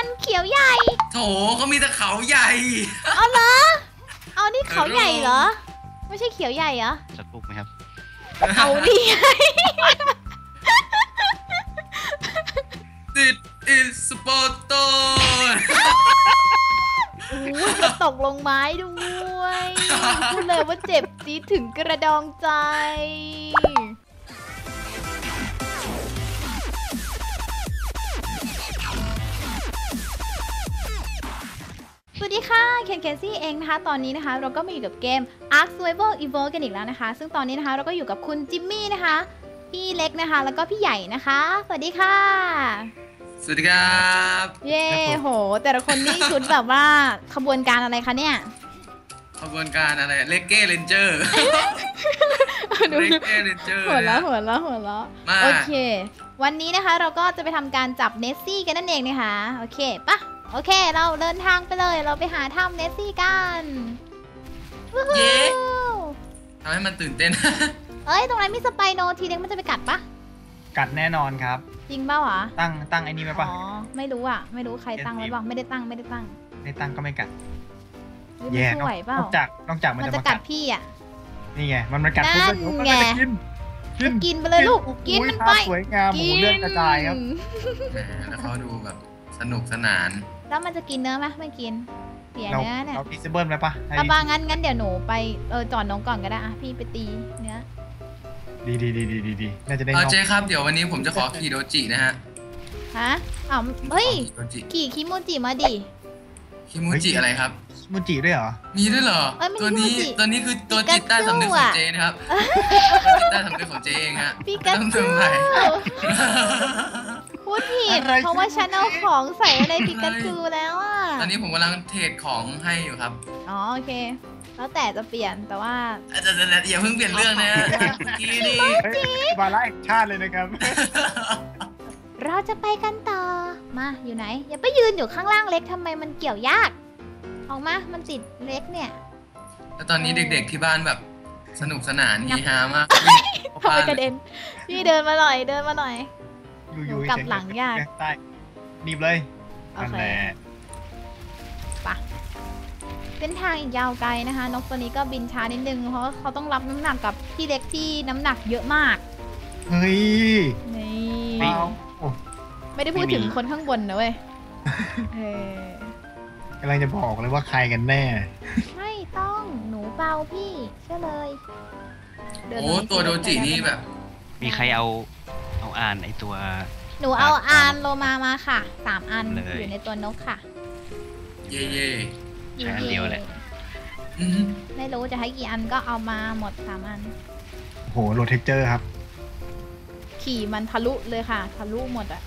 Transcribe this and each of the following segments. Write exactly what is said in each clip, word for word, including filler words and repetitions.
กันเขียวใหญ่โถเขามีแต่เขาใหญ่เอาเหรอเอานี่เขาใหญ่เหรอไม่ใช่เขียวใหญ่เหรอสักปุ๊บไหมครับเอาดิติดอิสปอร์โตอู้จะตกลงไม้ด้วยพูดเลยว่าเจ็บจี๊ดถึงกระดองใจสวัสดีค่ะเคนเคนซี่เองนะคะตอนนี้นะคะเราก็มาอยู่กับเกม Ark Survival Evolved กันอีกแล้วนะคะซึ่งตอนนี้นะคะเราก็อยู่กับคุณจิมมี่นะคะพี่เล็กนะคะแล้วก็พี่ใหญ่นะคะสวัสดีค่ะสวัสดีครับเย่โหแต่ละคนนี่ชุดแบบว่าขบวนการอะไรคะเนี่ยขบวนการอะไรเลกเก้เรนเจอร์เลกเก้เรนเจอร์หัวเราะหัวเราะหัวเราะโอเควันนี้นะคะเราก็จะไปทำการจับเนสซี่กันนั่นเองนะคะโอเคปะโอเคเราเดินทางไปเลยเราไปหาถ้ำเนสซี่กันเย้ทำให้มันตื่นเต้นเอ้ยตรงนั้นมีสไปโนทีเล็กมันจะไปกัดปะกัดแน่นอนครับจริงเปล่าอ่ะตั้งตั้งไอ้นี่ไหมปะอ๋อไม่รู้อ่ะไม่รู้ใครตั้งไว้บ้างไม่ได้ตั้งไม่ได้ตั้งไม่ตั้งก็ไม่กัดแย่นอกจากนอกจากมันจะกัดพี่อ่ะนี่ไงมันมันกัดนั่นไงกินกินไปเลยลูกกินมันไปสวยงามหมูเลือดกระจายครับแล้วเขาดูแบบสนุกสนานแล้วมันจะกินเนื้อไหมไม่กินเสียเนื้อเนี่ยเราพิซซ่าเบิ้ลไหมปะปะปะงั้นงั้นเดี๋ยวหนูไปเออจอดน้องก่อนก็ได้อะพี่ไปตีเนื้อดีดีดีดีดีดีน่าจะได้เออเจ๊ครับเดี๋ยววันนี้ผมจะขอขี่โดจินะฮะฮะอ้าวเฮ้ยขี่คิมูจิมาดิคิมูจิอะไรครับคิมูจิด้วยเหรอมีด้วยเหรอตัวนี้ตัวนี้คือตัวจิตใต้สำนึกของเจ๊นะครับตัวจิตใต้สำนึกของเจ๊เองฮะพี่กัจูพูดผิดเพราะว่าฉันเอาของใส่ในปิกาจูแล้วอ่ะตอนนี้ผมกำลังเทรดของให้อยู่ครับอ๋อโอเคแล้วแต่จะเปลี่ยนแต่ว่าอย่าเพิ่งเปลี่ยนเรื่องนะกีนี่บาร่าแอคชั่นเลยนะครับเราจะไปกันต่อมาอยู่ไหนอย่าไปยืนอยู่ข้างล่างเล็กทำไมมันเกี่ยวยากออกมามันติดเล็กเนี่ยแล้วตอนนี้เด็กๆที่บ้านแบบสนุกสนานฮีฮามากทำไมกระเด็นพี่เดินมาหน่อยเดินมาหน่อยอยู่กับหลังยากใต้หนีบเลยโอเคปะเส้นทางอีกยาวไกลนะคะนกตัวนี้ก็บินช้านิดนึงเพราะเขาต้องรับน้ำหนักกับพี่เล็กที่น้ำหนักเยอะมากเฮ้ยนี่ไม่ได้พูดถึงคนข้างบนนะเว้ยกำลังจะบอกเลยว่าใครกันแน่ไม่ต้องหนูเบาพี่เชื่อเลยโอ้ตัวโดจินี่แบบมีใครเอาเอาอ่านไอตัวหนูเอาอ่านโลมามาค่ะสามอันอยู่ในตัวนกค่ะเย่เย่ใช้อันเดียวเลยไม่รู้จะให้กี่อันก็เอามาหมดสามอันโหโรเทคเจอร์ครับขี่มันทะลุเลยค่ะทะลุหมดอ่ะ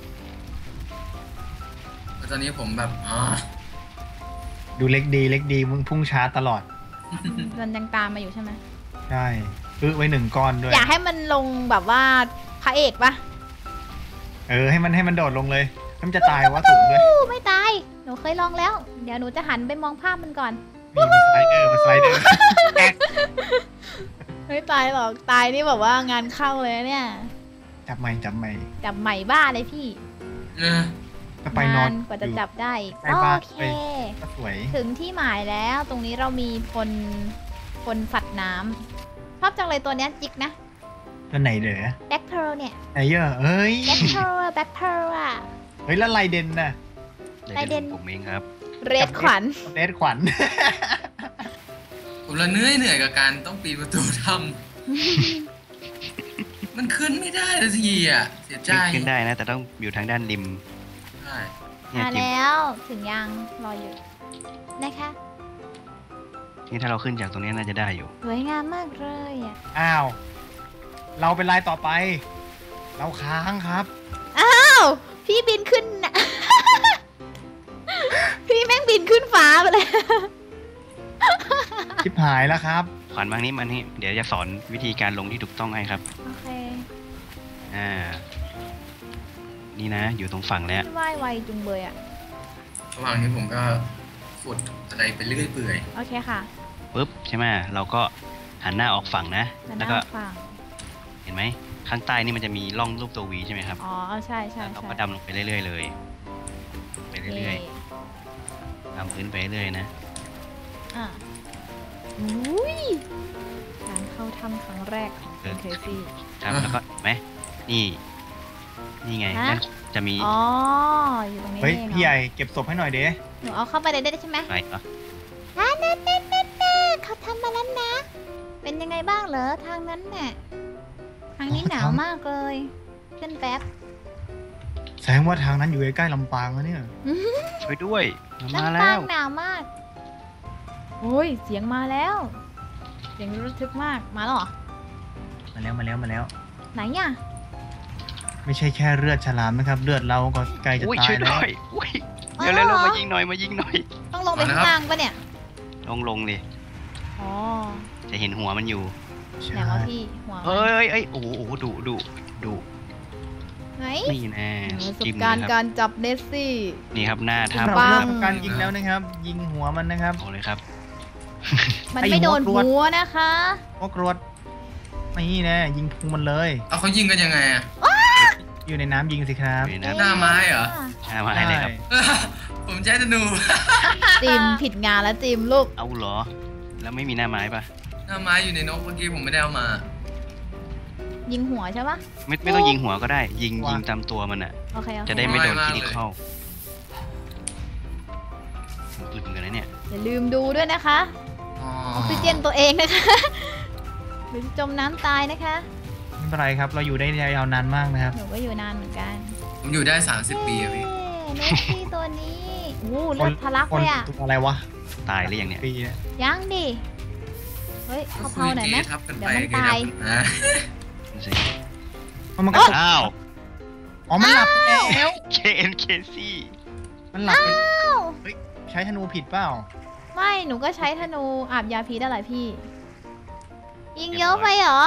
ตอนนี้ผมแบบอ๋อดูเล็กดีเล็กดีมึงพุ่งช้าตลอดมันยังตามมาอยู่ใช่ไหมใช่อื้อไว้หนึ่งก้อนด้วยอยากให้มันลงแบบว่าพระเอกปะเออให้มันให้มันโดดลงเลยมันจะตายว่าสูงด้วยไม่ตายหนูเคยลองแล้วเดี๋ยวหนูจะหันไปมองภาพมันก่อนมันสไลเดอร์มันสไลเดอร์ไม่ตายหรอกตายนี่แบบว่างานเข้าเลยเนี่ยจับใหม่จับใหม่จับใหม่บ้าเลยพี่ก็ไปนอนกว่าจะจับได้โอเคถึงที่หมายแล้วตรงนี้เรามีพลพลสัตว์น้ำชอบจังเลยตัวเนี้ยจิกนะตัวไหนเด้อแบ็คเพร์ลเนี่ยไอ้เยอะเอ้ยแบ็คเพร์ลแบ็คเพร์ลอ่ะเฮ้ยแล้วไลเดนน่ะไลเดนผมเองครับเรดขวัญเรดขวัญผมละเหนื่อยเหนื่อยกับการต้องปีนประตูทำมันขึ้นไม่ได้ทีอ่ะเสียใจขึ้นได้นะแต่ต้องอยู่ทางด้านริมใช่มาแล้วถึงยังรออยู่นะคะนี่ถ้าเราขึ้นจากตรงนี้น่าจะได้อยู่สวยงามมากเลยอ่ะอ้าวเราเป็นลายต่อไปเราค้างครับอ้าวพี่บินขึ้นนะพี่แม่งบินขึ้นฟ้าไปเลยชิบหายแล้วครับขวัญบางนี้มันนี่เดี๋ยวจะสอนวิธีการลงที่ถูกต้องให้ครับโอเคอ่านี่นะอยู่ตรงฝั่งแล้วว่ายไวจุงเบยอ่ะระหว่างนี้ผมก็ขุดอะไรไปเรื่อยเปื่อยโอเคค่ะปุ๊บใช่ไหมเราก็หันหน้าออกฝั่งนะแล้วก็เห็นไหมข้างใต้นี่มันจะมีร่องรูปตัววีใช่ไหมครับอ๋อใช่ใช่เราก็ดำลงไปเรื่อยๆเลยไปเรื่อยๆตามพื้นไปเรื่อยนะอ่ะอุ้ยการเข้าถ้ำครั้งแรกของคุณเคซี่ครับแล้วก็เห็นไหมนี่ นี่ไงฮะนั่นจะมีอ๋ออยู่ตรงนี้เฮ้ยเองพี่ใหญ่เก็บศพให้หน่อยเด้หนูเอาเข้าไปเลยได้ใช่ไหมอะไรก็อ่าเน่เน่เน่เน่เขาทำมาแล้วนะ เป็นยังไงบ้างเหรอทางนั้นเนี่ยทางนี้หนาวมากเลยขึ้นแป๊บแสดงว่าทางนั้นอยู่ใกล้ๆลำปางแล้วเนี่ยช่วยด้วยมาลำแล้ปางวหนาวมากโอ้ยเสียงมาแล้วเสียงระทึกมากมาแล้วเหรอมาแล้วมาแล้วมาแล้วไหนอ่ะไม่ใช่แค่เลือดฉลามนะครับเลือดเราก็ใกล้จะอุ้ยตาช่วย ยแล้ด้ววยอุ้ยเดี๋ยวเร็วๆมายิงหน่อยมายิงหน่อยต้องลงไปข้างล่างปะเนี่ยลงลงเลยอ๋อจะเห็นหัวมันอยู่ใช่ไหนวะพี่หัวมันเอ้ยเอ้ยโอ้โหดุดุดุไหนนี่แน่ประสบจิ้มการณ์เลยคการับรจับเนสซี่นี่ครับหน้าปัถ้ำเรางเริ่มการยิงแล้วนะครับ ยิงหัวมันนะครับเอาเลยครับมันไอ้ไม่โดนหัวกรวดหัวนะคะพวกรวดนี่แน่ยิงพุงมันเลยเอาเขายิงกันยังไงอะอยู่ในน้ำยิงสิครับอยู่ในน้หน้าไม้เหรอำหน้าไม้เลยครับผมใช้ธนูจิมผิดงานแล้วจิมลูกเอาเหรอ แล้วไม่มีหน้าไม้ปะหน้าไม้อยู่ในนกเมื่อกี้ผมไม่ได้เอามายิงหัวใช่ปะไม่ไม่ต้องยิงหัวก็ได้ ยิงยิงตามตัวมันอ่ะโอเคโอเคจะได้ไม่โดนไม่คมากลิกเลยเข้าอึดเหมือนกันนะเนี่ยอย่าลืมดูด้วยนะคะอ๋อออกซิเจนตัวเองนะคะหรือจะจมน้ำตายนะคะไม่เป็นไรครับเราอยู่ได้ยาวนานมากนะครับหนูก็อยู่นานเหมือนกันผมอยู่ได้สามสิบปีอะพี่เนสซี่ตัวนี้โอ้เลือดทะลักคนเลยอ่ะตัวอะไรวะตายหรือยังเนี่ยปีเนี่ยยังดิ เฮ้ยเขาเผาหน่อยไหมคุทับกันเดี๋ไปยวมันตายอ่ะดูสิมันก็ตกอ้าวอ๋อมันหลับไปแล้วเคเอ็นเคซี่มันหลับไปอ้าวใช้ธนูผิดเปล่าไม่ หนูก็ใช้ธนูอาบยาพิษอะไรพี่ ยิงเยอะไปเหรอ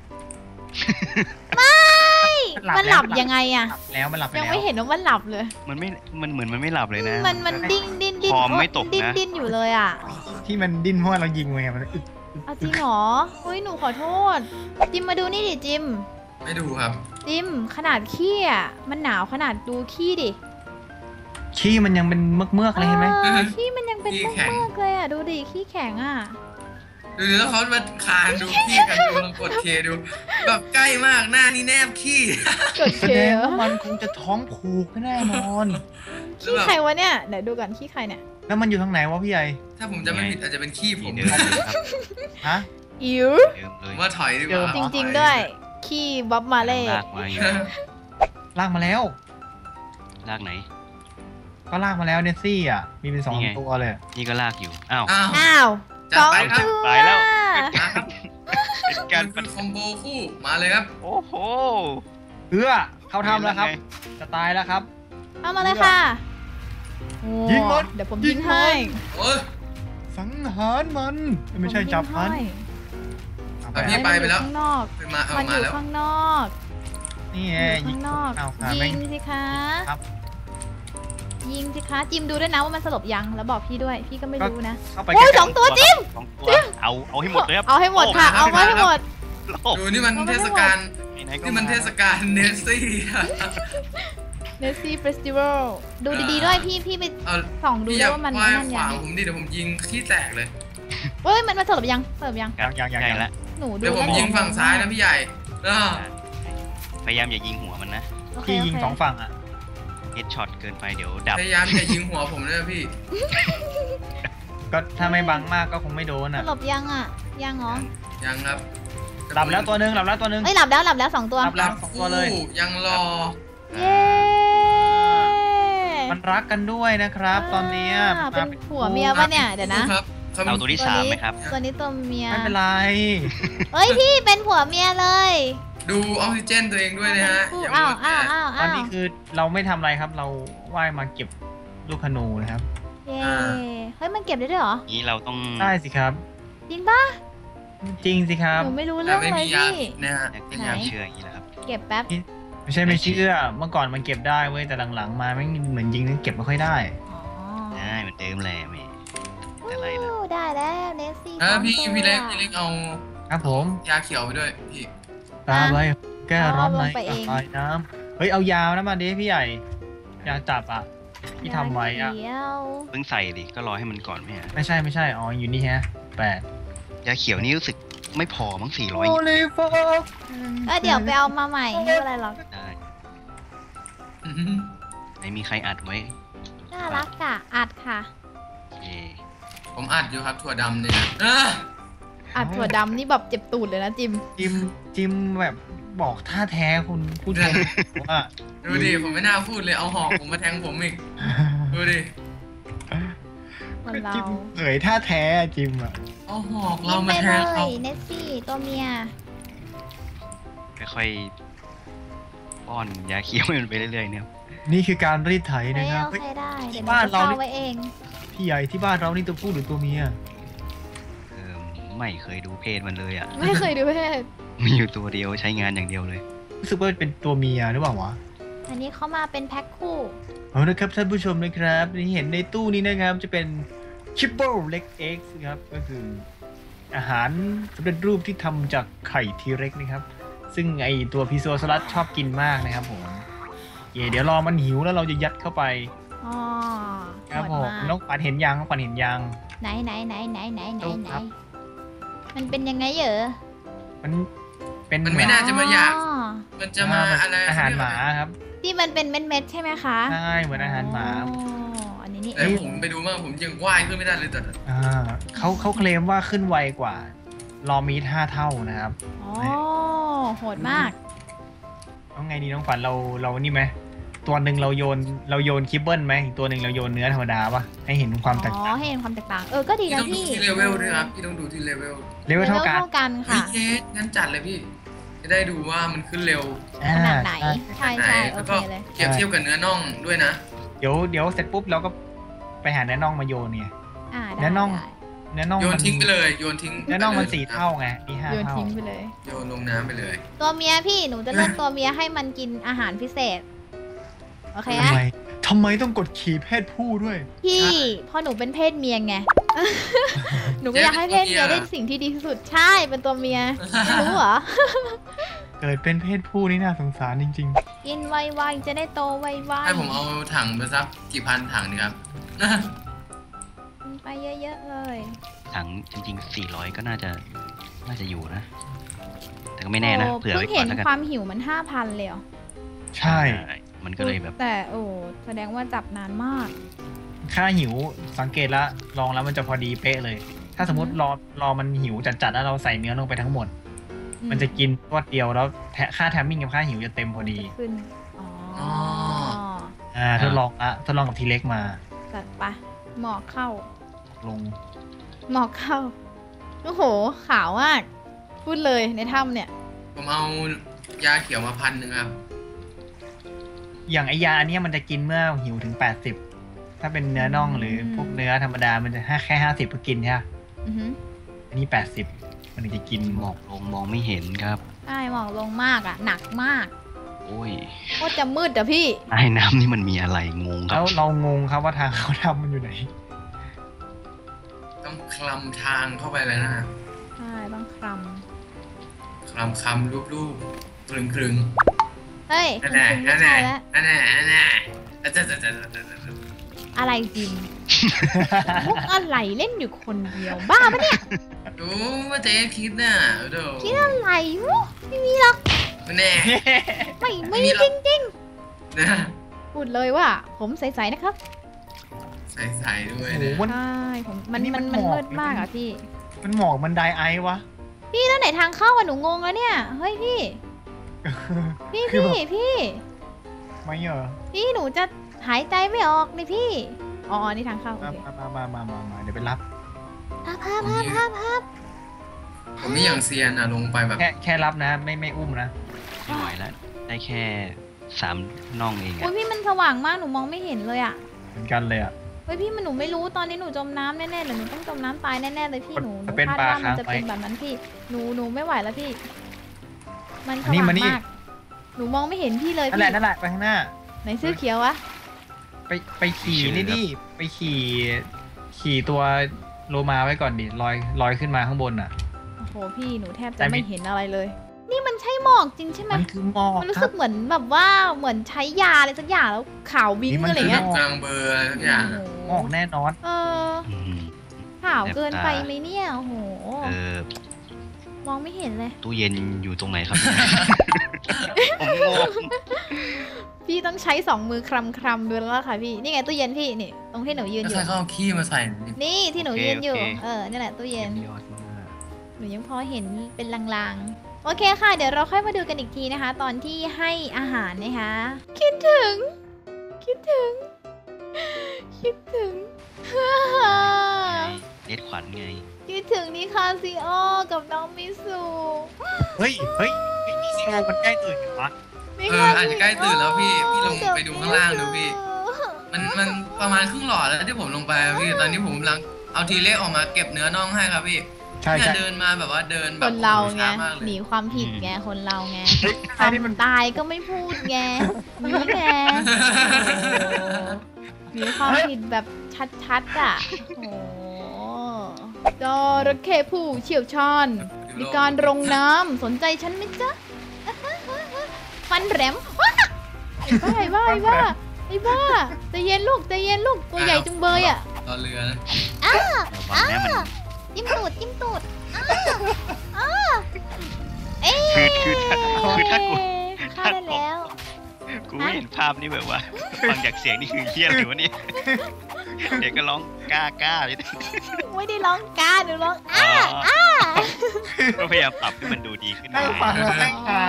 ไม่ มันหลับยังไงอะหลับแล้วมันหลับไปยังแล้วไม่เห็นว่ามันหลับเลยมันไม่ มันเหมือนมันไม่หลับเลยนะมันมันดิ้นดิ้นดิ้นคอมไม่ตกนะดิ้นดิ้นอยู่เลยอ่ะที่มันดิ้นเพราะว่าเรายิงมันไงมันอึกเอาจริงเหรอเฮ้ยหนูขอโทษ จิมมาดูนี่ดิจิมไม่ดูครับจิมขนาดขี้อ่ะมันหนาวขนาดดูขี้ดิขี้มันยังเป็นเมือกเมือกๆเลยเห็นไหมออขี้มันยังเป็นขี้เมืแข็งอกๆเลยอ่ะ ดูดิขี้แข็งอ่ะดูดิแล้วเขามาคานดูพี่กันดูลองกดเคดู แบบใกล้มากหน้านี่แนบขี้กดแสเคดงเหรอว่ามันคงจะท้องผูกแน่นอนขี้ใครวะเนี่ยเดี๋ยวดูก่อนขี้ใครเนี่ยแล้วมันอยู่ทางไหนวะพี่ใหญ่ถ้าผมจะไม่ผิดอาจจะเป็นขี้ผนี่มเดิมเลยครับฮะอิ๋วเดิมเลผยมว่าถอยดีกเดิว่ามจริงๆด้วย ขี้บ๊อบมาเล่ลากมาอยู่ลากมาแล้วลากไหนก็ลากมาแล้วเนสซี่อ่ะ มีเป็นสองนี่ไงตัวเลยนี่ก็ลากอยู่ อ้าวอ้าวอ้าวจัสดองไปครับตัวไปแล้วนะครับเป็นการมันคือคอมโบคู่มาเลยครับโอ้โหเพื่อเข้าทำแล้วครับ จะตายแล้วครับเอามาเลยค่ะโอ้ยิงมันเดี๋ยวผมยิยิงงมันให้โอ้ยสังหารมัน ไม่ใช่จับมันอ่ะพี่ไปไปแล้วข้างนอกไปมาเอามันอมายู่แล้วข้างนอกนี่อไงยู่ยิข้าง งนอกเอาค่ะยิแม่งงสิคะครับยิงสิคะ จิมดูด้วยนะว่ามันสลบยัง แล้วบอกพี่ด้วย พี่ก็ไม่รู้นะเข้าไปโอ้ยใกล้สองตัวจิ้มสองตัวเอา เอาให้หมดเลยครับเอาให้หมดค่ะ เอาไว้ให้หมดโลกดูนี่มันเทศกาลไหนๆก็นี่มันเทศกาลเนสซี่อะเนสซี่เฟสติวัล ดูดีๆด้วยพี่ พี่ไปเอาส่องดูพี่อด้วย่ายว่ามันว่ายนั่นขยัวางงผมดิเดี๋ยวผมยิงขี้แตกเลยเฮ้ย มันมันสลบยังสลบยังยังยังยังใกล้ยังละหนูดูเดี๋ยวผมแล้วยิงฝั่งซ้ายนะพี่ใหญ่อ้าวพยายามอย่ายิงหัวมันนะโอเคพี่ยิงโเคสองฝั่งอ่ะเฮดช็อตเกินไปเดี๋ยวดับพยายามอย่ายิงหัวผมเลยพี่ก็ถ้าไม่บังมากก็คงไม่โดนสอ่ะลบยังอ่ะ ยังเหรอยังครับหลับแล้วตัวหนึงหลับแล้วตัวหนึงเอ้ยหลับแล้วหลับแล้วสองตัวหลับหลับคู่ยังรอเย้มันรักกันด้วยนะครับ ตอนเนี้ยอ่าเป็นมาผัวเมียปะเนี่ย เดี๋ยวนะครับเอาตัวที่สามไหมครับตัวนี้ตัวเมียไม่เป็นไรเฮ้ยพี่เป็นผัวเมียเลยดูออกซิเจนตัวเองด้วยนะฮะคู่อย่าอ้าวมัวอ้าวแต่อ้าวตออ้าน วนี้คือเราไม่ทำอะไรครับ เราว่ายมาเก็บลูกขนูนะครับเย้เฮ้ยมันเก็บได้ด้วยเหรอนี้เราต้องได้สิครับจริงปะจริงสิครับหนูไม่รู้แต่เรื่องไม่เลมียยาพี่นะฮะอยากเป็เป็น นยายามเชื่ออย่างนี้แหละครับเก็บแป๊บไม่ใช่ไม่เชื่อ เมื่อก่อนมันเก็บได้เว้ย แต่หลังๆ มาไม่งเหมือนยิงนั้นเก็บไม่ค่อยได้อ๋อได้เหมือนเดิมแหละแม่แต่อะไรล่ะอู้ได้แล้วเนสซี่เออพี่สองตัวพี่เล็กพี่เล็กเอาครับผมยาเขียวไปด้วยพี่ตาไว้แก้ร้อนในเอาลงไปเองกระหายน้ำเฮ้ย เอายาวนะมาดิพี่ใหญ่ ยาจับอ่ะที่ทำไว้อะเขียวเพิ่งใส่ดิก็รอให้มันก่อนไม่ฮะไม่ใช่ไม่ใช่อ๋ออยู่นี่ฮะแปดยาเขียวนี่รู้สึกไม่พอมั้งสี่ร้อยโอลิฟอกเออเดี๋ยวไปเอามาใหม่ไม่เป็นไรหรอกได้อื้อหือไหนมีใครอัดไว้น่ารักอ่ะอัดค่ะโอเคผมอัดอยู่ครับถั่วดำเนี่ยนะอ่ะอัดถั่วดำนี่แบบเจ็บตูดเลยนะจิมจิมจิมแบบบอกท่าแท้คุณผู้ชมว่าดูดิผมไม่น่าพูดเลยเอาหอกผมมาแทงผมอีกดูดิคนเราจิมเผยท่าแท้อะจิมอ่ะเอาหอกกิเรานมาไปแทเลงเขายเนสซี่ตัวเมียค่อยๆป้อนยาเขียวให้มันไปเรื่อยๆเนี่ยนี่คือการรีดไถใครนะครับเอาใครได้เดี๋ยวหนูบ้านจะเราเฝ้านี่ไว้เองพี่ใหญ่ที่บ้านเรานี่ตัวผู้หรือตัวเมียเออไม่เคยดูเพศมันเลยอ่ะไม่เคยดูเพศมีอยู่ตัวเดียวใช้งานอย่างเดียวเลยรู้สึกว่าเป็นตัวเมียหรือเปล่าวะอันนี้เขามาเป็นแพ็คคู่เอานะครับท่านผู้ชมนะครับที่เห็นในตู้นี้นะครับจะเป็นชิปเปิลเล็กเอ็กซ์ครับก็คืออาหารสำเร็จรูปที่ทำจากไข่ทีเร็กนะครับซึ่งไอตัวพิโซสลัดชอบกินมากนะครับผมเย่เดี๋ยวรอมันหิวแล้วเราจะยัดเข้าไปอ๋อครับโหผดมมากน้องขวัญเห็นยังน้องขวัญเห็นยังไหนไหนไหนไหนไหนไหนดูไหนครับมันเป็นยังไงเหรอมันเป็นมันไม่น่าจะมาอยากอ๋อมันจะมาอะไรอาหารหมาครับที่มันเป็นเม็ดๆใช่ไหมคะใช่เหมือนอาหารหมาอ๋ออันนี้นี่เอเอ้ยงผมไปดูมากผมยังว่ายขึ้นไม่ได้เลยแต่อ่าเขาเขาเคลมว่าขึ้นไวกว่า รอมีดห้าเท่านะครับอ๋อโหดมากเอาไงดีน้องขวัญเราเรานี่ไหมตัวหนึ่งเราโยนเราโยนคิปเปิลไหมอีกตัวหนึ่งเราโยนเนื้อธรรมดาปะให้เห็นความแตกอ๋อต่างให้เห็นความแตกต่าง เออ ก็ดีพี่นะต้องดูพี่ที่เลเวลด้วยครับพี่ต้องดูที่เลเวลเลเวลเท่ากันเท่ากันเฮ้ยค่ะเจ๊งั้นจัดเลยพี่ จะได้ดูว่ามันขึ้นเร็วอ่ขนาดไหนใช่ใช่ไหนใช่โอแล้วเคก็เลยเทียบเทียบกับเนื้อน่องด้วยนะเดี๋ยวเดี๋ยวเสร็จปุ๊บเราก็ไปหาเนื้อน่องมาโยนเนี่ยอ่าได้เนื้อน่องได้เนื้อน่องโยนมันทิ้งไปเลยโยนทิ้งเนื้อน่องมันไปลยสี่เท่าไงนี่ห้าโยนเท่าทิ้งไปเลยโยนลงน้ำไปเลยตัวเมียพี่หนูจะเลือกตัวเมียให้มันกินอาหารพิเศษ โอเคทำนะไมทำไมต้องกดขี่เพศผู้ด้วยพี่เพราะหนูเป็นเพศเมียไง หนูก็อยากให้เพศเมียได้สิ่งที่ดีที่สุดใช่เป็นตัวเมียไม่รู้เหรอเกิดเป็นเพศผู้นี่น่าสงสารจริงกินไวๆจะได้โตไวให้ผมเอาถังไปสักกี่พันถังดีครับๆกินไปเยอะๆเลยถังจริงๆสี่ร้อยก็น่าจะน่าจะอยู่นะ แต่ก็ไม่แน่นะโอ้เผื่อไว้เพิ่งก่อเห็นนแล้วกันความหิวมันห้าพันเลยเหรอๆ ใช่มันก็เลยแบบแต่โอ้แสดงว่าจับนานมากค่าหิวสังเกตแล้วลองแล้วมันจะพอดีเป๊ะเลย ถ้าสมมติรอรอมันหิวจัดๆแล้วเราใส่เนื้อลงไปทั้งหมด มันจะกินรวดเดียวแล้วแทค่าแทมมิ่งกับค่าหิวจะเต็มพอดีขึ้น อ๋ออ๋ออ่าทดลองละทดลองกับทีเล็กมาจัดไปหมอกเข้าลงหมอกเข้า โอ้โห ขาวมาก พูดเลยในถ้ำเนี่ยผมเอายาเขียวมาพันหนึ่งครับอย่างไอยาอันเนี้ยมันจะกินเมื่อหิวถึงแปดสิบถ้าเป็นเนื้อน่องหรือพวกเนื้อธรรมดามันจะแค่ห้าสิบก็กินใช่ไหมอือหืออันนี้แปดสิบมันถึงจะกินหมอกลงมองไม่เห็นครับใช่หมอกลงมากอ่ะ หนักมากโอ้ยโคตรจะมืดอะพี่ใต้น้ำนี่มันมีอะไรงงครัแล้บวเรางงครับว่าทางเขาทำมันอยู่ไหนต้องคลำทางเข้าไปเลยนะใช่ต้องคลคลำคำรูปรูปคลึงคลึงำเฮ้ยนั่นคุณแน่คุณไม่นั่นแน่ใช่แล้วนั่นแน่นั่นแน่อ่ะจะจะจะจะจะจะอะไรจริง มุกอะไรเล่นอยู่คนเดียว บ้าปะเนี่ยดูว่าเจ๊คิดน่ะเดี๋ยวคิดอะไรวะไม่มีหรอกแน่ไม่ไม่ไม่มีหรจอกริงนะๆ พูดเลยว่า ผมใสๆนะครับใส่ใส่ด้วยโอ้โหเนี่ยมันใช่ผมมันอันนี้มัมัน นมันหมอกมืดมากอ่ะพี่มันหมอกมันไดไอซ์วะพี่แล้วไหนทางเข้าอะหนูงงแล้วเนี่ย เฮ้ยพี่ พี่คือพี่แบบพี่ไม่เหรอพี่หนูจะหายใจไม่ออกนี่พี่ อ๋อ นี่ทางเข้าโอมาเคมามามามามาเดี๋ยวไปรับภาพภาพภาพภาพภาพผมนี่อย่างเซียนอ่ะลงไปแบบแค่แค่รับนะ ไม่ไม่อุ้มนะไม่ไหวแล้ว ได้แค่สามน่องเองโอ้อะยพี่มันสว่างมากหนูมองไม่เห็นเลยอ่ะเหมือนกันเลยอ่ะเฮ้ยพี่มันหนูไม่รู้ตอนนี้หนูจมน้ำแน่ๆเลยหนูต้องจมน้ำตายแน่ๆเลยพี่หนูหนูเป็นคาดปลาว่ามันจะค้างไว้เป็นแบบนั้นพี่ หนูหนูไม่ไหวแล้วพี่ มันสอันนี้ว่างมานี่มาก หนูมองไม่เห็นพี่เลยนั่นแหพี่ละนั่นแหละไปข้างหน้าไหนเสื้อเขียววะไปไปขี่นี่ดิไปขี่ ขี่ตัวโลมาไว้ก่อนดิลอยลอยขึ้นมาข้างบนอ่ะโอ้โหพี่หนูแทบแต่จะไม่ไม่เห็นอะไรเลย นี่มันใช่หมหมอกจริงใช่ไหมมันคือหมอกมันรู้คสึรับกเหมือนแบบว่าเหมือนใช้ยาอะไรสักอย่างแล้วขาววิ้งนี่มันอะไรเงี้ยกลางเบอร์อะไรทุกอย่างหมอกแน่นอนเอออืมขาวเกินแสบตาไปไหมเนี่ยโอ้โหเออมองไม่เห็นเลยตู้เย็นอยู่ตรงไหนครับ ผมงงพี่ต้องใช้สองมือคลำคลำๆดูแล้วล่ะค่ะพี่ นี่ไงตู้เย็นพี่นี่ตรงที่หนูยืนก็อยู่ใส่ข้าวขี้มาใส่นี่ที่หนูโอเคยืนอยู่โอเคเออนี่แหละตู้เย็นยอดมากหนูยังพอเห็นเป็นลางๆ โอเคค่ะ เดี๋ยวเราค่อยมาดูกันอีกทีนะคะ ตอนที่ให้อาหารนะคะ คิดถึง คิดถึง คิดถึงเน็ตขวัญไงคิดถึงนิคาซิโอกับน้องมิสุเฮ้ยเฮ้ยไอ้นี่ซีโอมันใกล้ตื่นกันวะเอออาจจะใกล้ตื่นแล้วพี่พี่ลงไปดูข้างล่างดูพี่ มันมันประมาณครึ่งหลอดแล้วที่ผมลงไปอะพี่ตอนนี้ผมกำลังเอาทีเล็กออกมาเก็บเนื้อน่องให้ครับพี่ใช่เนี่ยใช่เดินมาแบบว่าเดินแบคบนเราไงช้ามากเลยหนีความผิดไง คนเราไงเฮ้ยควานี่มันมตายก็ไม่พูดไงนี่ไงหนีความผิดแบบชัดๆอ่ะ โอ้จระเข้ผู้เชี่ยวชาญ มีการลงน้ำสนใจฉันไหมจ๊ะ ฟันแหลมไอ้บ้าไอ้บ้าไอ้บ้าไอ้บ้าใจเย็นลูกใจเย็นลูกตัวใหญ่จุงเบยอ่ะรอเรือนะระวังนะมันจิ้มตูดจิ้มตูดอ้าอ้าเอ๊ะคือคือถ้าคือถ้ากูฆ่าได้แล้วกูไม่เห็นภาพนี่แบบว่า ฟังจากเสียงนี่คือเฮี้ยหรือวะเนี่ยเด็กก็ร้องกล้ากล้าเลยไม่ได้ร้องกาหนูร้องอ๋อ้าอก็พยายามปรับให้มันดูดีขึ้นนั่งฟังแล้วนั่งตา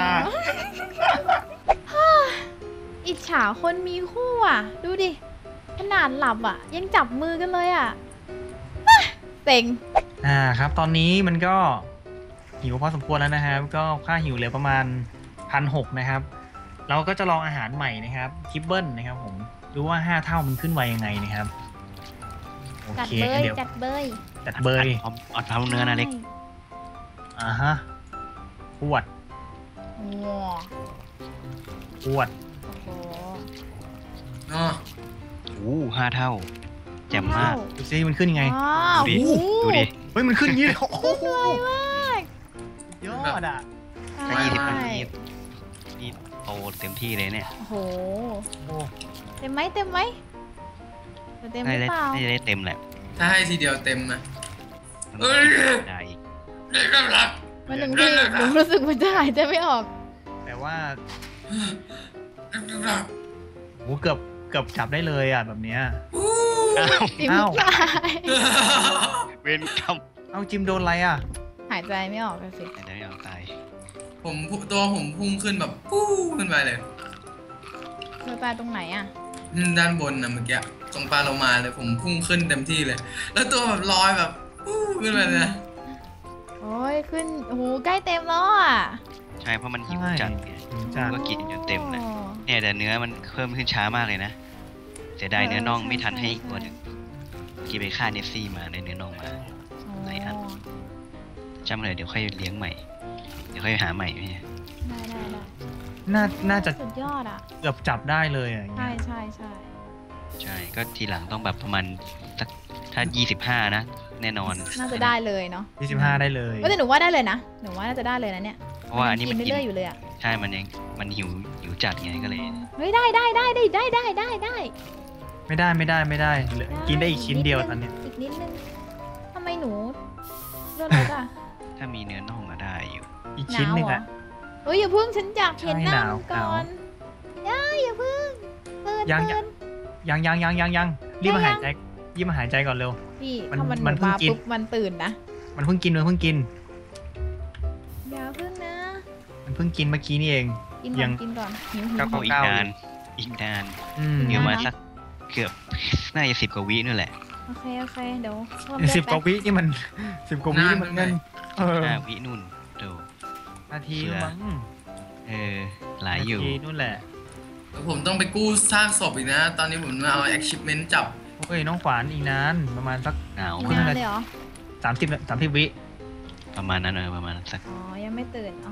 อิจฉาคนมีคู่อ่ะ ดูดิ ขนาดหลับอ่ะ ยังจับมือกันเลยอ่ะอ่ะเซ็งอ่าครับ ตอนนี้มันก็หิวพอสมควรแล้วนะครับ ก็ค่าหิวเหลือประมาณพันหกนะครับ เราก็จะลองอาหารใหม่นะครับคิปเบิลนะครับผมดูว่าห้าเท่ามันขึ้นไวยังไงนะครับโอจัดเคเบยเดี๋ยวจัดเบยจัดเบยเอาเอาเท้าเนื้อนะเล็กอ่าฮะขวดโอ้ขวดโหเนาะโอ้ห้าเท่า แจ่มมากดูซิมันขึ้นยังไงว้าวดูดิโอ้โหดูดิเฮ้ยมันขึ้นอย่างนี้เลยโอ้โหสวยมากยอดอ่ะถ้ายี่สิบใช่นาทีนี่โตเต็มที่เลยเนี่ยโอ้โหโอ้เต็มไหมเต็มไหมเต็มหน่ารือจะเปล่าน่าจะได้เต็มแหละถ้าให้ทีเดียวเต็มนะมันเอ้ยได้อีกได้กำลังมันหนึ่งที่หนูรู้สึกมันจะหายใจไม่ออกแต่ว่าได้กำลังโหเกือบเกือบจับได้เลยอ่ะแบบเนี้ยอ้าวจิ้มอ้าวตายเวนกรรมเอาจิมโดนอะไรอ่ะหายใจไม่ออกเลยสิไหนได้ไม่เอาตายผมตัวผมพุ่งขึ้นแบบปู้ขึ้นไปเลยเธอตายตรงไหนอ่ะอืมด้านบนนะเมื่อกี้ตรงปลาโลมาเลยผมพุ่งขึ้นเต็มที่เลย แล้วตัวแบบลอยแบบปู้ขึ้นไปเลยนะโอ้ยขึ้นโอ้โหใกล้เต็มแล้วอ่ะใช่เพราะมันหิวใช่จัดไงหิวจัดก็กินจนเต็มเลยโอ้เนี่ยแต่เนื้อมันเพิ่มขึ้นช้ามากเลยนะเสียดายเนื้อน่องไม่ทันให้อีกตัวหนึ่งกี่ไปฆ่าเนฟซี่มาได้เนื้อน่องมา ไหนอัน จำเลยเดี๋ยวค่อยเลี้ยงใหม่ เดี๋ยวค่อยหาใหม่พี่ได้ได้ได้น่าน่าจะสุดยอดอ่ะเกือบจับได้เลยอ่ะอย่างใช่เงี้ยใช่ใช่ใช่ก็ทีหลังต้องแบบประมาณสักถ้ายี่สิบห้านะ แน่นอนน่าจะได้เลยเนาะยี่สิบห้าได้เลยก็แต่หนูว่าได้เลยนะหนูว่าน่าจะได้เลยนะเนี่ยเพราะว่าอันนี้มันกินกินเรื่อยๆอยู่เลยอ่ะใช่มันยังมันหิวหิวจัดไงก็เลยเฮ้ยได้ได้ได้ได้ได้ได้ได้ได้ไม่ได้ไม่ได้ไม่ได้เหลือกินได้อีกชิ้นเดียวตอนเนี้ยอีกนิดนึงทำไมหนูเลือดรถอ่ะถ้ามีเนื้อน่องมาได้อยู่อีกหชิ้นนาวหนึ่งเหรออ่ะเฮ้ยอย่าเพิ่งฉันอยากเห็นหน้าใช่หนาวมันก่อนอย่าอย่าเพิ่งเปิดยังเปิดยังยังยังยังยังรีบมาหายใจรีบมาหายใจก่อนเร็วพี่มันถ้ามันหมันูนเพิ่งมากินปุ๊บมันตื่นนะมันเพิ่งกินมันเพิ่งกินอย่าเพิ่งนะมันเพิ่งกินเมื่อกี้นี่เองกินยัก่อนงกินก่อนหิวหิวเก้าโอ้อีกเก้านานอีกนานอืมเดี๋ยวมาสักเกือบน่าจะสิบกว่าวินู่นแหละโอเคโอเคเดี๋ยวเพิ่มเลือดสิบกว่าแป๊วินี่มันสิบกว่าวินี่มันเงินเออห้าวินู่นดูนาทีมั้งเออหลายอยู่นาทีนู่นแหละแล้วผมต้องไปกู้ซากศพอีกนะ ตอนนี้ผมมาเอา achievement จับโอ้ยน้องขวานอีกนานประมาณสักหนาวอีกมานานกเลยเหรอสามสิบสามสิบวิประมาณนั้นเออประมาณสักอ๋อยังไม่ตื่นเอ๋อก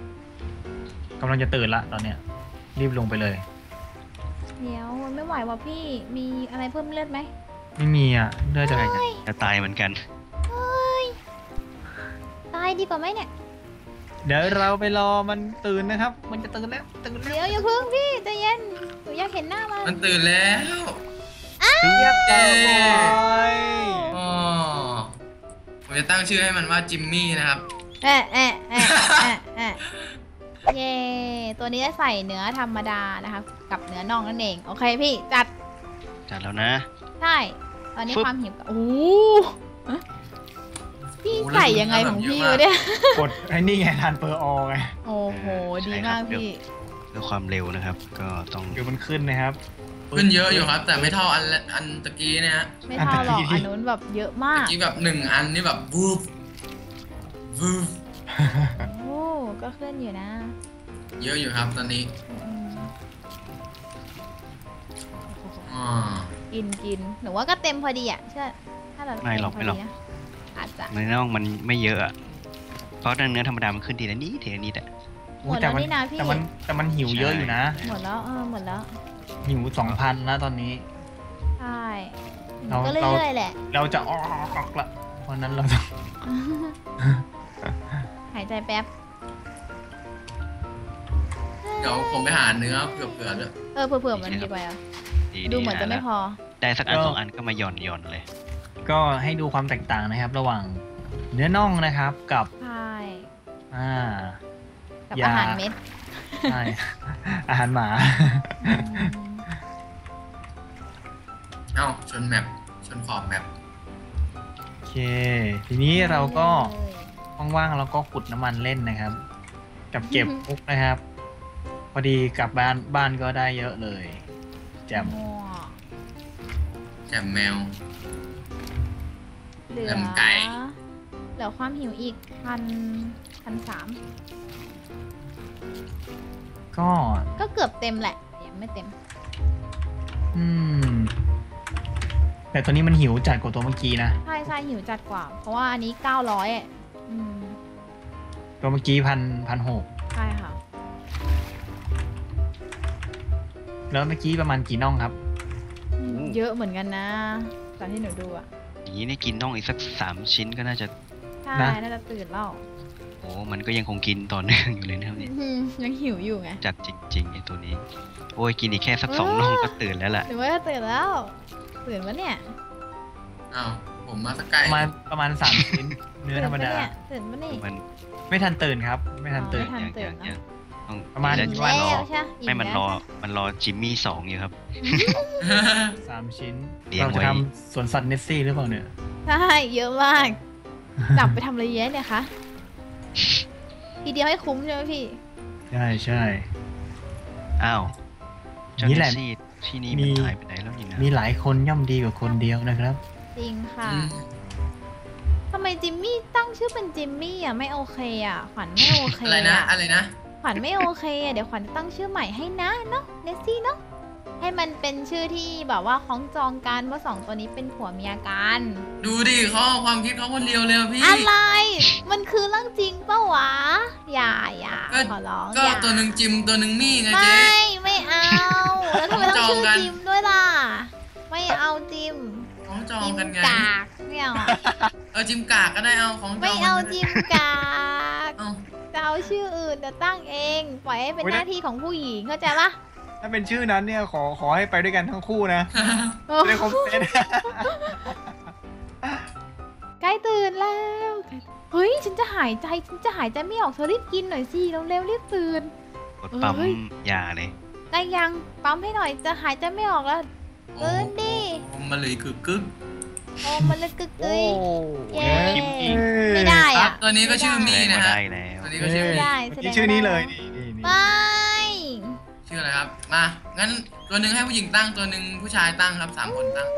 ำลังจะตื่นละตอนเนี้ยรีบลงไปเลยเดี๋ยวไม่ไหวว่ะพี่มีอะไรเพิ่มเลือดไหมไม่มีอ่ะเลือดจะเฮ้ยจะตายเหมือนกันเฮ้ยตายดีกว่าไหมเนี่ยดเดี๋ยวเราไปรอมันตื่นนะครับ มันจะตื่นแล้วตื่นแล้วเดี๋ยวอย่าเพิ่งพี่ใจเย็นหนูอยากเห็นหน้ามันมันตื่นแล้วเรียบร้อยอ๋อผมจะตั้งชื่อให้มันว่าจิมมี่นะครับแอะแอะแอะแอะแอะเย่ตัวนี้จะใส่เนื้อธรรมดานะคะกับเนื้อน่องนั่นเองโอเคพี่จัดจัดแล้วนะใช่ตอนนี้ฟึบความหิวก็โอ้ฮะพี่โอ้ใส่ยังไงของพี่วะเนี่ยกดไอ้นี่ไงทานเปอร์ออไงโอ้โหดีมากพี่เพื่อความเร็วนะครับ ก็ต้องเดี๋ยวมันขึ้นนะครับขึ้นเยอะอยู่ครับ แต่ไม่เท่าอันละอันตะกี้เนี่ยฮะไม่เท่าหรอกอันนู้นแบบเยอะมาตะกกี้แบบหนึ่งอันนี่แบบวูบวูบโอ้ก็ขึ้นอยู่นะเยอะอยู่ครับตอนนี้อืมอ๋อกินกินหนูว่าก็เต็มพอดีอ่ะเชื่อถ้าแบบไม่หรอกเต็ไม่หรอกพดีนะอาจจะเนื้อน่องมันไม่เยอะอะเพราะเนื้อธรรมดามันขึ้นทีละนิดทีละนิดอะหมดแล้วนี่นะพี่แต่มันแต่มันหิวเยอะอยู่นะหมดแล้วเออหมดแล้วหิวสองพันแล้วตอนนี้ใช่หนูเราก็เราเรื่อยๆแหละเราจะออกละเพราะนั้นเราต้องหายใจแป๊บเดี๋ยวผมไปหาเนื้อเผื่อๆด้วยเออเผื่อๆมันดีไปอ่ะดีดูเหมือนจะไม่พอได้สักอันสองอันก็มาหย่อนหย่อนเลยก็ให้ดูความแตกต่างนะครับ ระหว่างเนื้อน่องนะครับกับใช่อ่ากับยาอาหารเม็ดใช่ อาหารหมาอืมเอ้าชนแมปชนขอบแมปโอเค ทีนี้เราก็ว่างๆเราก็ขุดน้ำมันเล่นนะครับ กับเก็บมุกนะครับ พอดีกลับบ้านบ้านก็ได้เยอะเลยแจ่มมั่วแจ่มแมวเหลือแหลมไก่เหลือความหิวอีกพันพันสามก็ก็เกือบเต็มแหละยังไม่เต็มอืม แต่ตัวนี้มันหิวจัดกว่าตัวเมื่อกี้นะใช่ใช่หิวจัดกว่า เพราะว่าอันนี้เก้าร้อยอ่ะอืมตัวเมื่อกี้พันพันหกใช่ค่ะแล้วเมื่อกี้ประมาณกี่น่องครับอืมเยอะเหมือนกันนะตอนที่หนูดูอ่ะอย่างนี้นี่กินน่องอีกสักสามชิ้นก็น่าจะใช่นะน่าจะตื่นแล้วโอ้มันก็ยังคงกินต่อเนื่องอยู่เลยนะครับเนี่ยอืมยังหิวอยู่ไงจัดจริงๆไอ้ตัวนี้ โอ้ยกินอีกแค่สักสองน่องก็ตื่นแล้วล่ะหรือว่าจะตื่นแล้วตื่นวะเนี่ยเอ้าผมมาสกไกลประมาณประมาณสามชิ้น เนื้อธรรมดาตื่นปะเนี่ยตื่นปะเนี่ยมันไม่ทันตื่นครับ ไม่ทันตื่นอ๋อ ทัอย่างตื่อน ย่างเนอะอย่างต้องประมาณแล้วอิ่มว่าแล้รอวใช่อิ่ไม่มันรอแล้วมันรอจิมมี่สองอยู่ครับสามชิ้นเลี้ยงเราจะไว้ทำสวนสัตว์เนสซี่หรือเปล่าเนี่ยใช่เยอะมาก จับไปทำอะไรเยอะเนี่ยคะทีเดียวให้คุ้มใช่ไหมพี่ใช่ใช่อ้าวเจ้านี่เนแหละสซี่ที่นี่มีมันหายไปไหนแล้วนี่นะมีหลายคนย่อมดีกว่าคนเดียวนะครับจริงค่ะอืมทำไมจิมมี่ตั้งชื่อเป็นจิมมี่อ่ะไม่โอเคอ่ะขวัญไม่โอเคอะไรนะ อะไรนะขวัญไม่โอเคอ่ะเดี๋ยวขวัญจะตั้งชื่อใหม่ให้นะเนาะเนสซี่เนาะให้มันเป็นชื่อที่แบบว่าคล้องจองกันว่าสองตัวนี้เป็นผัวเมียกันดูดิเขาเอาความคิดเขาคนเดียวเลยอะพี่อะไร มันคือเรื่องจริงปะวะ อย่าอย่าก็ขอร้องก็อย่าตัวหนึ่งจิมตัวหนึ่งมี่ไงไมเจ๊่ไม่เอา แล้วทำไมต้องชื่อจองกันจิมด้วยล่ะ ไม่เอาจิมของจองจิมกันไงกากไม่เอาเออจิมกากก็ได้เอาของจองไม่เอากันก็จิได้มกากเอาจะเอาชื่ออื่นจะตั้งเอง ปล่อยให้เป็นโอ้ยหน้าที่ของผู้หญิงเข้าใจปะถ้าเป็นชื่อนั้นเนี่ยขอขอให้ไปด้วยกันทั้งคู่นะจะได้ครบเซตใกล้ตื่นแล้ว เฮ้ย ฉันจะหายใจ ฉันจะหายใจไม่ออกเธอรีบกินหน่อยสิเร็วๆรีบตื่นกดปั๊มเอ้ยยาเลยใกล้ยังปั๊มให้หน่อยจะหายใจไม่ออกแล้วโอ้ตื่นดิโอ้มาเลยคือกึกโอ้มันเลยกึกโอ้เอ้ย เย้คิมอีกไม่ได้ครัอ่ะบตัวนี้ก็ชื่อมี่แสดงนะว่าฮะได้แล้วตัวนี้ก็ชื่อไม่มี่ได้เมื่อแสดกี้งชื่อนี้ว่าเลยนี่นี่นี่ไม่ชื่ออะไรครับ มา งั้นตัวหนึ่งให้ผู้หญิงตั้งตัวหนึ่งผู้ชายตั้งครับสามคนตั้ง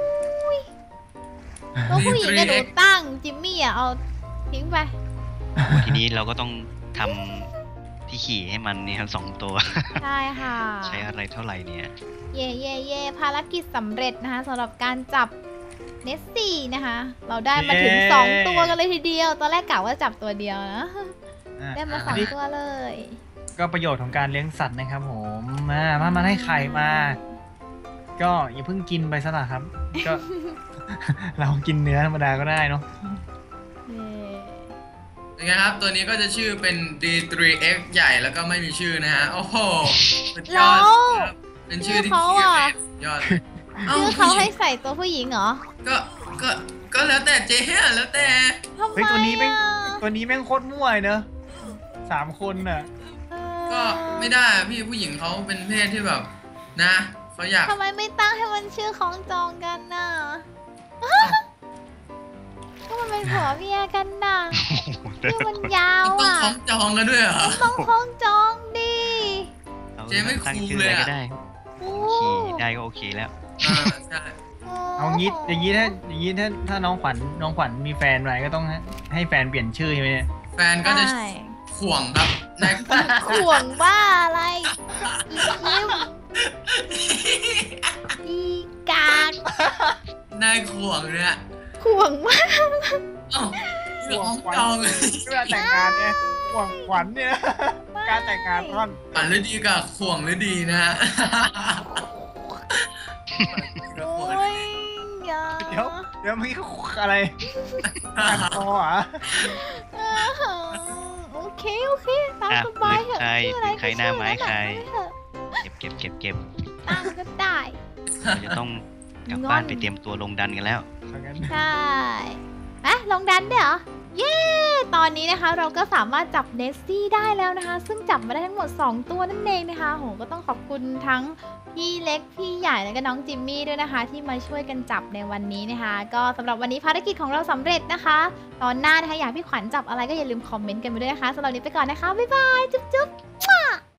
ตัวผู้หญิงกับหนูตั้งจิมมี่อ่ะเอาทิ้งไปทีนี้เราก็ต้องทำที่ขี่ให้มันเนี่ยครับสองตัวใช่ค่ะใช้อะไรเท่าไหร่เนี่ยเย่เย่เย่ภารกิจสำเร็จนะคะสำหรับการจับเนสซี่นะคะ เราได้มาถึงสองตัวกันเลยทีเดียว ตอนแรกกะว่าจับตัวเดียวนะอ่ะได้มาสองตัวเลยก็ประโยชน์ของการเลี้ยงสัตว์นะครับผมมามามาให้ไข่มา ก็อย่าเพิ่งกินไปซะละครับ ก็ เรากินเนื้อธรรมดาก็ได้เนาะเย่เป็นไงครับตัวนี้ก็จะชื่อเป็น ดี ทรี เอ็กซ์ ใหญ่แล้วก็ไม่มีชื่อนะฮะโอ้โหสุดยอดครับเป็นชื่อที่ขี้เลยยอดเอ้าชื่อเขาผู้หญิให้งใส่ตัวผู้หญิงเหรอก็ก็ก็แล้วแต่เจ๊อะแล้วแต่ทำไมเฮ้ยตัวนี้แม่งอะตัวนี้แม่งโคตรมั่วเลยเนอะสามคนน่ะเออก็ไม่ได้อะพี่ผู้หญิงเขาเป็นเพศที่แบบนะเขาอยากทำไมไม่ตั้งให้มันชื่อของจองกันน่ะก็มันเป็นผัวเมียกันน่ะชื่อมันยาวต้องอ่ะคล้องจองกันด้วยเหรอต้องของจองดิเจ๊ไม่ตั้งคูลชื่อเลอะยไรอะก็ได้โอ้ขี่ได้ก็โอเคแล้วอ่าใช่เอางี้อย่างนี้ถ้าอย่างนี้ถ้าถ้าน้องขวัญน้องขวัญมีแฟนไว้ก็ต้องให้ให้แฟนเปลี่ยนชื่อใช่ไหมเนี่ยแฟนก็จะใช่ข่วงครับนายข่วงบ้าอะไร อีคิมอีกากนายข่วงเนี่ยข่วงมากเอ้าเรื่องของจองเลยเวลาแต่งงานเนี่ยหวังขวัญเนี่ยนะการแต่งงานท่อนฝันหรือดีกับข่วงหรือดีนะฮะโอ้ยอย่าเดี๋ยวเดี๋ยวมีอะไรตัดคอเหรอโอเค โอเค ตามอ่ะสบายเถอะใครชื่ออะไรใครหน้าไม้ก็ชื่อใครนั้นน่ะเก็บเก็บเก็บเก็บตามก็ได้เราจะต้องกลับบ้านไปเตรียมตัวลงดันกันแล้วเอางั้นใช่อะลองดันด้วยเหรอ เย้ ตอนนี้นะคะเราก็สามารถจับเนสซี่ได้แล้วนะคะ ซึ่งจับมาได้ทั้งหมดสองตัวนั่นเองนะคะโหก็ต้องขอบคุณทั้งพี่เล็ก พี่ใหญ่ แล้วก็น้องจิมมี่ด้วยนะคะ ที่มาช่วยกันจับในวันนี้นะคะ ก็สำหรับวันนี้ภารกิจของเราสำเร็จนะคะ ตอนหน้านะคะอยากให้พี่ขวัญจับอะไรก็อย่าลืมคอมเมนต์กันไปด้วยนะคะสำหรับวันนี้ไปก่อนนะคะ บ๊ายบาย จุ๊บจุ๊บ